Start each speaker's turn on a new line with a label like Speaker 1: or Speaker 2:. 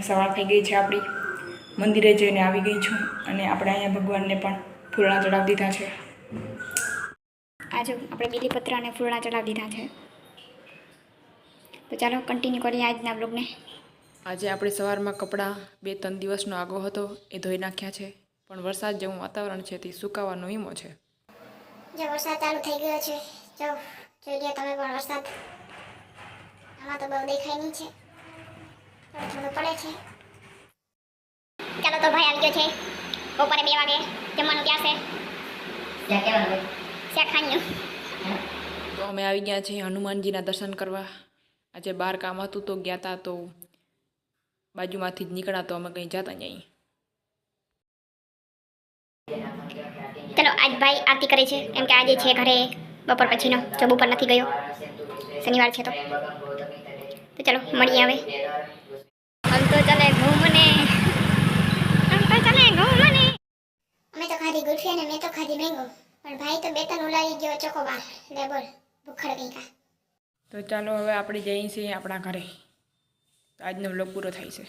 Speaker 1: સવાર થઈ ગઈ છે આપણી, મંદિરે જઈને આવી ગઈ છું અને આપણે અહીંયા ભગવાનને પણ ફૂલણા ચડાવી દીધા છે. આજે આપણે બીલીપત્ર અને ફૂલણા ચડાવી દીધા છે. તો ચાલો કન્ટિન્યુ કરીએ આજના બ્લોગને. આજે આપણે સવારમાં કપડાં 2-3 દિવસનો આગો હતો એ ધોઈ નાખ્યા છે, પણ વરસાદ જેવું વાતાવરણ છે તે સુકાવાનો વીમો છે.
Speaker 2: જો વરસાદ ચાલુ થઈ ગયો છે, જો જોઈ લો તમે પણ વરસાદ. આમાં તો બહુ દેખાય નહીં છે, થોડું પડે છે. ચાલો તો ભાઈ આવી ગયો છે, બપોરે 2 વાગે જમવાનું ક્યાં છે? ત્યાં કેવાનું શાક ખાણ્યું.
Speaker 1: તો અમે આવી ગયા છીએ હનુમાનજીના દર્શન કરવા. આજે બહાર કામ હતું તો ગયા હતા, તો બાજુમાંથી જ નીકળ્યા તો અમે કંઈ જતા નહીં.
Speaker 2: ચલો આજ ભાઈ આરતી કરે છે, કેમ કે આજે છે ઘરે બપોર પછીનો, જો બપોર નથી ગયો, શનિવાર છે તો ચલો મળીએ હવે. હમ તો ચલે ઘૂમને, અમે તો ખાધી ગુલ્ફી અને મેં તો ખાધી મેંગો, પણ ભાઈ તો 2-3 ઉલાવી ગયો ચોકોબાર. લે બોલ ભૂખડ કઈ કા.
Speaker 1: તો ચાલો હવે આપણે જઈએ છીએ આપણા ઘરે. આજનો વ્લોગ પૂરો થાય છે.